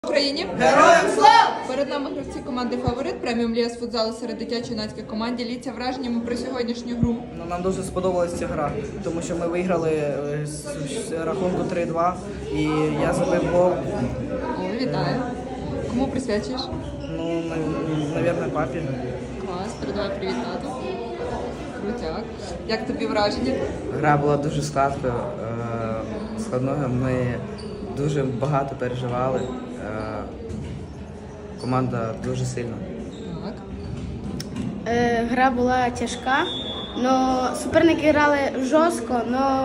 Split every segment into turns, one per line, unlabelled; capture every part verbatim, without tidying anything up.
Україні!
Героям слава!
Перед нами гравці команди «Фаворит» преміум ліга з футзалу серед дитячо-юнацької команди. Діліться враженнями про сьогоднішню гру.
Ну, нам дуже сподобалася ця гра, тому що ми виграли е, з, з рахунку три-два і я забив гол.
О, вітаю. Кому присвячуєш?
Ну, мабуть, папі.
Клас, передавай привіт тату. Крутяк. Як тобі враження?
Гра була дуже складною, е, складною. Ми дуже багато переживали. Е, команда дуже сильна.
Так.
Е, Гра була тяжка, але суперники грали жорстко, але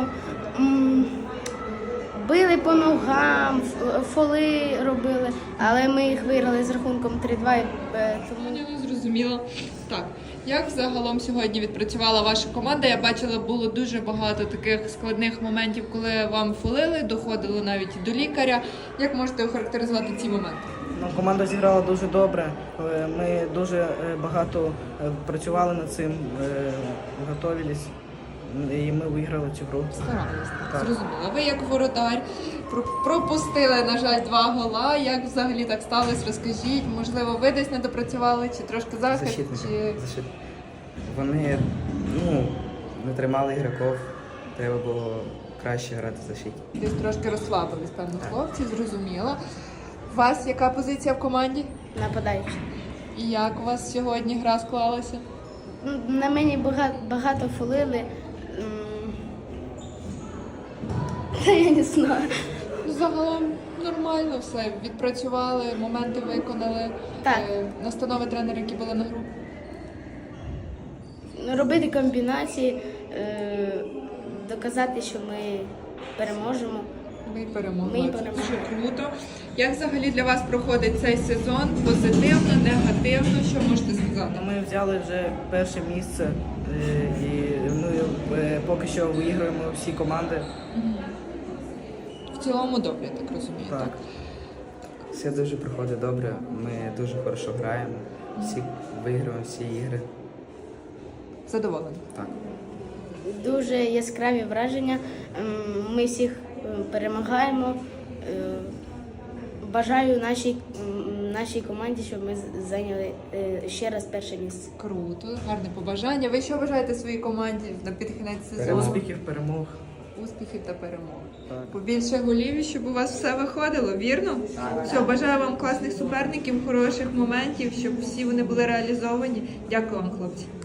били по ногам, ф- фоли робили, але ми їх виграли з рахунком три-два. і, е, Тому
Я не зрозуміла. Так, як загалом сьогодні відпрацювала ваша команда? Я бачила, було дуже багато таких складних моментів, коли вам фолили, доходило навіть до лікаря. Як можете охарактеризувати ці моменти?
Ну, команда зіграла дуже добре. Е, Ми дуже е, багато е, працювали над цим, е, готувалися, і ми виграли цю гру.
Старалися,
Так.
зрозуміла. Ви як воротар про- пропустили, на жаль, два гола. Як взагалі так сталося? Розкажіть. Можливо, ви десь не допрацювали, чи трошки захист,
Защитники.
чи
Защит... Вони ну, не тримали ігроків, треба було краще грати в защиті.
десь трошки розслабились, певно, хлопці, зрозуміло. У вас яка позиція в команді?
нападаючи.
І як у вас сьогодні гра склалася?
Ну, На мені багато, багато фолили. М, Та я не знаю.
Ну, загалом нормально все. Відпрацювали, моменти виконали.
Так.
Е, Настанови тренера, які були на гру.
Робити комбінації, е, доказати, що ми переможемо.
Ми перемогли.
Ми
Це
перемогли.
дуже круто. Як взагалі для вас проходить цей сезон? Позитивно, негативно? Що можете сказати?
Ну, Ми взяли вже перше місце е, і ми е, поки що виграємо всі команди.
В цілому добре, я так розумію. Так.
Так.
Все дуже проходить добре, ми дуже хорошо граємо, всі виграємо всі ігри.
Задоволені.
Так.
Дуже яскраві враження. Ем, Ми всіх е, перемагаємо. Е, Бажаю нашій, м, нашій команді, щоб ми з- зайняли е, ще раз перше місце.
Круто, гарне побажання. Ви що бажаєте своїй команді на підкінець сезону?
Перемог.
Успіхів, перемог.
Успіхів та перемог.
Так.
Побільше голів, і щоб у вас все виходило, вірно? Все, бажаю вам класних суперників, хороших моментів, щоб всі вони були реалізовані. Дякую вам, хлопці.